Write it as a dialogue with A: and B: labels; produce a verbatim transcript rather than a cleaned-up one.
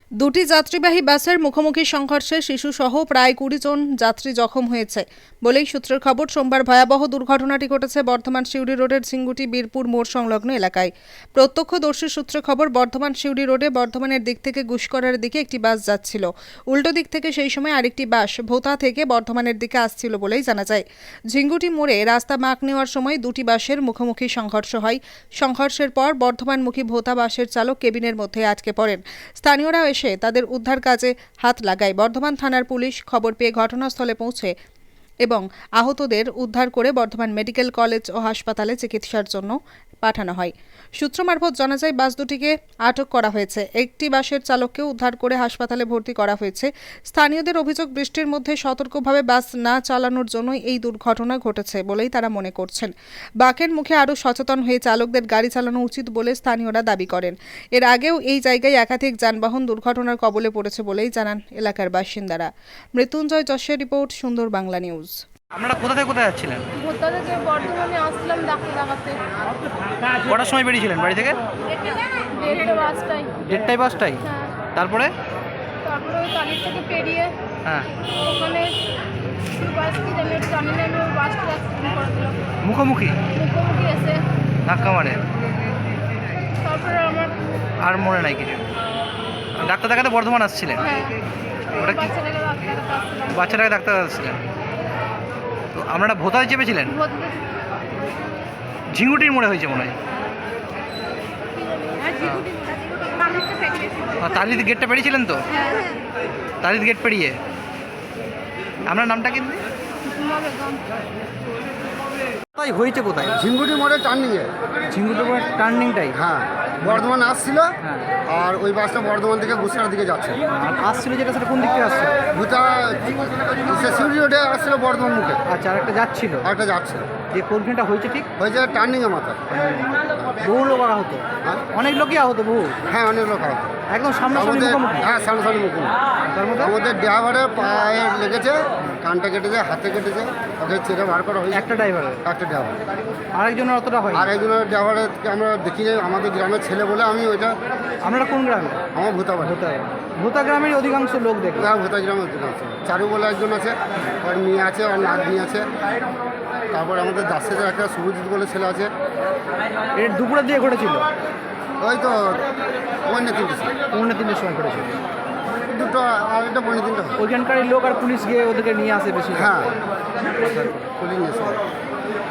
A: দুটি যাত্রীবাহী বাসের মুখোমুখি সংঘর্ষে শিশুসহ প্রায় কুড়ি জন যাত্রী জখম হয়েছে বলেই সূত্রের খবর। সোমবার ভয়াবহ দুর্ঘটনাটি ঘটেছে বর্ধমান সিউড়ি রোডের ঝিঙ্গুটি বীরপুর মোড় সংলগ্ন এলাকায়। প্রত্যক্ষদর্শী সূত্রে খবর, বর্ধমান সিউড়ি রোডে বর্ধমানের দিক থেকে গুসকরার দিকে একটি বাস যাচ্ছিল। উল্টো দিক থেকে সেই সময় আরেকটি বাস ভোতা থেকে বর্ধমানের দিকে আসছিল বলেই জানা যায়। ঝিঙ্গুটি মোড়ে রাস্তা মাপ নেওয়ার সময় দুটি বাসের মুখোমুখি সংঘর্ষ হয়। সংঘর্ষের পর বর্ধমানমুখী ভোতা বাসের চালক কেবিনের মধ্যে আটকে পড়েন। স্থানীয়রা এসে তাদের উদ্ধার কাজে হাত লাগায়। বর্ধমান থানার পুলিশ খবর পেয়ে ঘটনাস্থলে পৌঁছে এবং আহতদের উদ্ধার করে বর্ধমান মেডিকেল কলেজ ও হাসপাতালে চিকিৎসার জন্য পাঠানো হয়। সূত্র মারফত জানা যায়, বাস দুটিকে আটক করা হয়েছে। একটি বাসের চালককে উদ্ধার করে হাসপাতালে ভর্তি করা হয়েছে। স্থানীয়দের অভিযোগ, বৃষ্টির মধ্যে সতর্কভাবে বাস না চালানোর জন্যই এই দুর্ঘটনা ঘটেছে বলেই তারা মনে করছেন। বাঁকের মুখে আরও সচেতন হয়ে চালকদের গাড়ি চালানো উচিত বলে স্থানীয়রা দাবি করেন। এর আগেও এই জায়গায় একাধিক যানবাহন দুর্ঘটনার কবলে পড়েছে বলেই জানান এলাকার বাসিন্দারা। মৃত্যুঞ্জয় যশের রিপোর্ট, সুন্দর বাংলা নিউজ।
B: আপনারা কোথা থেকে কোথায় যাচ্ছিলেন?
C: ভোতা থেকে বর্ধমানে আসলাম ডাক্তার দেখাতে।
B: কটার সময় বেরিয়েছিলেন বাড়ি থেকে?
C: দেড়টা বাসটাই।
B: দেড়টায় বাসটাই?
C: হ্যাঁ।
B: তারপরে
C: তারপরে ওই টালির থেকে পেরিয়ে
B: হ্যাঁ
C: ওখানে বাস কি জানি জানি না, আমি ওই বাসটা অ্যাক্সিডেন্ট করে দিলাম
B: মুখোমুখি
C: মুখোমুখি এসে।
B: ধাক্কা মারে?
C: তারপরে আমার
B: আর মনে নাই কিছু? ডাক্তার দেখাতে বর্ধমান আসছিলেন?
C: হ্যাঁ
B: ওটা কি
C: বাচ্চাটাকে ডাক্তার দেখাতে আসছিলাম।
B: বাচ্চাটাকে ডাক্তার আসছিলেন? তো আপনারা ভোতায় চেপেছিলেন?
C: ভোতা থেকে
B: ঝিঙ্গুটির মোড়ে হয়েছে মনে হয়।
C: হ্যাঁ ঝিগুটি মানুষটা পেরিয়েছি।
B: আর তালিদ গেটটা পেরিয়েছিলেন তো?
C: হ্যাঁ
B: তালিদ গেট পেরিয়ে। আপনার নামটা কিন্তু
C: বেগম।
B: কোথায় হয়েছে? কোথায়?
D: ঝিঙ্গুটি মোড়ে টার্নিংয়ে।
B: ঝিঙ্গুটির মোড়ে টার্নিংটা?
D: হ্যাঁ, বর্ধমান আসছিল
B: হ্যাঁ।
D: আর ওই বাসটা বর্ধমান থেকে গুসরার দিকে যাচ্ছে।
B: আর আসছিল যেটা, সেটা কোন দিক থেকে আসছে?
D: দুটা সিউড়ি রোডে আসছিল বর্ধমান মুখে,
B: আচ্ছা, আর একটা যাচ্ছিল।
D: আর একটা যাচ্ছে।
B: যে কোনখানটা হয়েছে ঠিক?
D: হয়েছে টার্নিংয়ে মাথা।
B: বহু লোক আহত?
D: হ্যাঁ
B: অনেক লোকই আহত? বহু?
D: হ্যাঁ, অনেক লোক আছে।
B: একদম সামনাসামনি
D: আমাদের
B: মুখোমুখি?
D: হ্যাঁ সামনাসামনি মুখে।
B: তার মধ্যে
D: আমাদের ড্রাইভারের পায়ে লেগেছে, কানটা কেটেছে, হাতে কেটেছে, ওকে চেরে বার করা হয়েছে।
B: একটা ড্রাইভারের?
D: একটা ড্রাইভার।
B: আরেকজনের অতটা হয়?
D: আর একজনের ড্রাইভারকে আমরা দেখি যে আমাদের গ্রামের ছেলে বলে আমি ওইটা,
B: আপনারা কোন গ্রামে?
D: আমার ভূতা বাড়ি।
B: ভোতা ভোতা গ্রামের অধিকাংশ লোক দেখে।
D: হ্যাঁ, ভূতা গ্রামের একজন আছে, চারু বলে একজন আছে, ওর মেয়ে আছে, ওর নাতনি আছে। তারপর আমাদের দাসের একটা শুভজিৎ বলে ছেলে আছে।
B: এর দুপুরের দিয়ে ঘটেছিল?
D: ওই তো পৌনে তিনটে সময়।
B: পৌনে তিনটের সময় ঘটেছিল।
D: দুটো আর একটা পৌনে তিনটে হয়।
B: ওইখানকার লোক আর পুলিশ গিয়ে ওদেরকে নিয়ে আসে বেশি?
D: হ্যাঁ, পুলিশ নিয়ে এসে।